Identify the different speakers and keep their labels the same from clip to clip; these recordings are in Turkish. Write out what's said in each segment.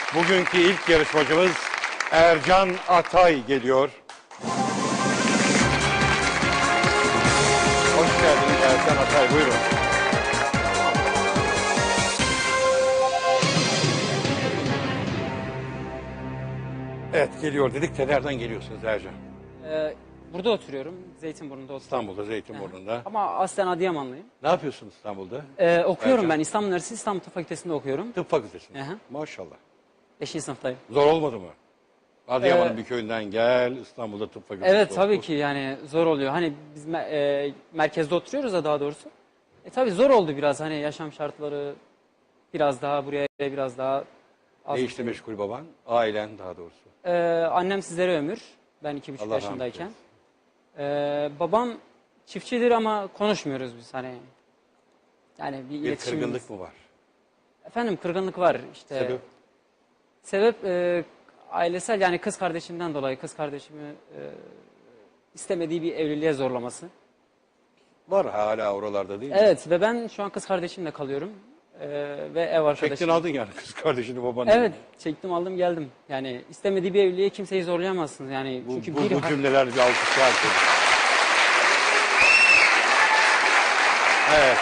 Speaker 1: Bugünkü ilk yarışmacımız Ercan Atay geliyor. Hoş geldiniz Ercan Atay, buyurun. Evet, geliyor dedik de nereden geliyorsunuz Ercan?
Speaker 2: Burada oturuyorum. Zeytinburnu'nda oturuyorum.
Speaker 1: İstanbul'da, Zeytinburnu'nda.
Speaker 2: Ama aslen Adıyamanlıyım.
Speaker 1: Ne yapıyorsun İstanbul'da?
Speaker 2: Okuyorum
Speaker 1: Ercan?
Speaker 2: ben. İstanbul Üniversitesi İstanbul Tıp Fakültesi'nde okuyorum.
Speaker 1: Tıp fakültesinde.
Speaker 2: Hı hı.
Speaker 1: Maşallah.
Speaker 2: 5. sınıftayım.
Speaker 1: Zor olmadı mı? Adıyaman'ın bir köyünden gel, İstanbul'da tıp fakültesi.
Speaker 2: Evet tabii
Speaker 1: oku.
Speaker 2: ki yani zor oluyor. Hani biz merkezde oturuyoruz da daha doğrusu. Tabii zor oldu biraz hani yaşam şartları biraz daha buraya biraz daha az.
Speaker 1: Ne işle meşgul baban? Ailen daha doğrusu.
Speaker 2: Annem sizlere ömür. Ben 2,5
Speaker 1: Allah
Speaker 2: yaşındayken. Babam çiftçidir ama konuşmuyoruz biz hani. Yani bir
Speaker 1: Bir
Speaker 2: iletişimimiz.
Speaker 1: kırgınlık mı var?
Speaker 2: Efendim kırgınlık var işte.
Speaker 1: Sebep?
Speaker 2: Sebep ailesel yani kız kardeşimden dolayı kız kardeşimi istemediği bir evliliğe zorlaması.
Speaker 1: Var hala oralarda değil mi?
Speaker 2: Evet ve ben şu an kız kardeşimle kalıyorum ve ev arkadaşım.
Speaker 1: Çektin aldın yani kız kardeşini babanı.
Speaker 2: Evet çektim aldım geldim. Yani istemediği bir evliliğe kimseyi zorlayamazsınız yani çünkü
Speaker 1: Bu cümleler bir alkış var. Evet.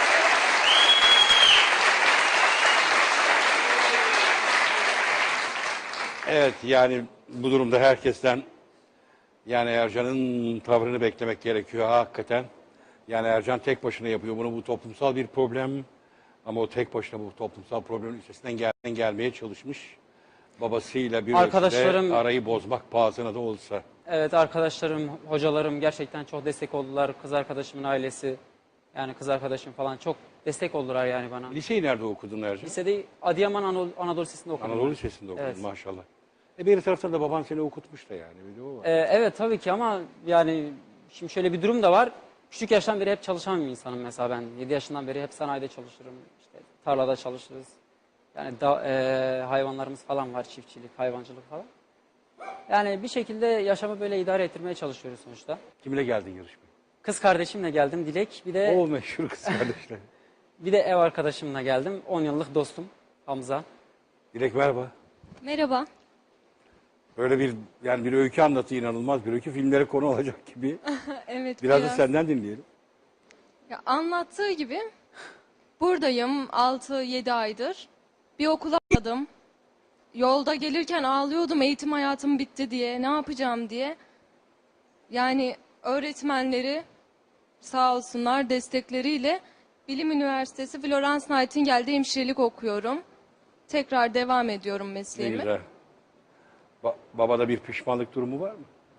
Speaker 1: Evet yani bu durumda herkesten yani Ercan'ın tavrını beklemek gerekiyor hakikaten. Yani Ercan tek başına yapıyor bunu, bu toplumsal bir problem. Ama o tek başına bu toplumsal problemin üstesinden gelmeye çalışmış. Babasıyla bir
Speaker 2: Arkadaşlarım-
Speaker 1: ölçüde arayı bozmak pahasına da olsa.
Speaker 2: Evet arkadaşlarım, hocalarım gerçekten çok destek oldular. Kız arkadaşımın ailesi yani kız arkadaşım falan çok destek oldular yani bana.
Speaker 1: Liseyi nerede okudun Ercan?
Speaker 2: Lisede Adıyaman Anadolu Lisesi'nde okudum.
Speaker 1: Anadolu Lisesi'nde okudun
Speaker 2: Evet.
Speaker 1: maşallah. Bir taraftan da baban seni okutmuş da yani. Bir de o var.
Speaker 2: Evet tabii ki ama yani şimdi şöyle bir durum da var. Küçük yaştan beri hep çalışan bir insanım mesela ben. 7 yaşından beri hep sanayide çalışırım. İşte tarlada çalışırız. Yani hayvanlarımız falan var, çiftçilik, hayvancılık falan. Yani bir şekilde yaşamı böyle idare ettirmeye çalışıyoruz sonuçta.
Speaker 1: Kimle geldin yarışmaya?
Speaker 2: Kız kardeşimle geldim Dilek. Bir de
Speaker 1: O meşhur kız kardeşler.
Speaker 2: bir de ev arkadaşımla geldim. 10 yıllık dostum Hamza.
Speaker 1: Dilek merhaba.
Speaker 3: Merhaba.
Speaker 1: Böyle bir öykü anlatı, inanılmaz bir öykü, filmlere konu olacak gibi.
Speaker 3: Evet
Speaker 1: Biraz da senden dinleyelim.
Speaker 3: Ya, anlattığı gibi buradayım 6-7 aydır. Bir okula atladım. Yolda gelirken ağlıyordum eğitim hayatım bitti diye. Ne yapacağım diye. Yani öğretmenleri sağ olsunlar destekleriyle Bilim Üniversitesi Florence Nightingale'de hemşirelik okuyorum. Tekrar devam ediyorum
Speaker 1: Ne
Speaker 3: mesleğime.
Speaker 1: güzel. Babada bir pişmanlık durumu var mı?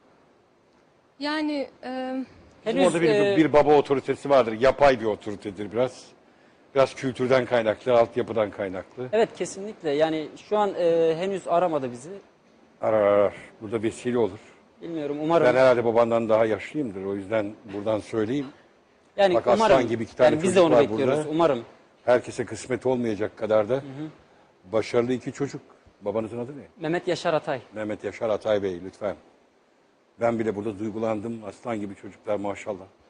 Speaker 3: Yani
Speaker 1: Bizim
Speaker 2: Henüz
Speaker 1: orada bir baba otoritesi vardır. Yapay bir otoritedir biraz. Biraz kültürden kaynaklı, altyapıdan kaynaklı.
Speaker 2: evet kesinlikle yani şu an henüz aramadı bizi.
Speaker 1: Arar. Burada vesile olur.
Speaker 2: Bilmiyorum umarım.
Speaker 1: Ben herhalde babandan daha yaşlıyımdır. O yüzden buradan söyleyeyim.
Speaker 2: Yani
Speaker 1: Bak,
Speaker 2: umarım.
Speaker 1: aslan gibi 2 tane
Speaker 2: yani biz de
Speaker 1: çocuk
Speaker 2: onu
Speaker 1: var
Speaker 2: bekliyoruz
Speaker 1: burada.
Speaker 2: umarım.
Speaker 1: Herkese kısmet olmayacak kadar da başarılı 2 çocuk. Babanızın adı ne?
Speaker 2: Mehmet Yaşar Atay.
Speaker 1: Mehmet Yaşar Atay Bey lütfen. Ben bile burada duygulandım. Aslan gibi çocuklar maşallah.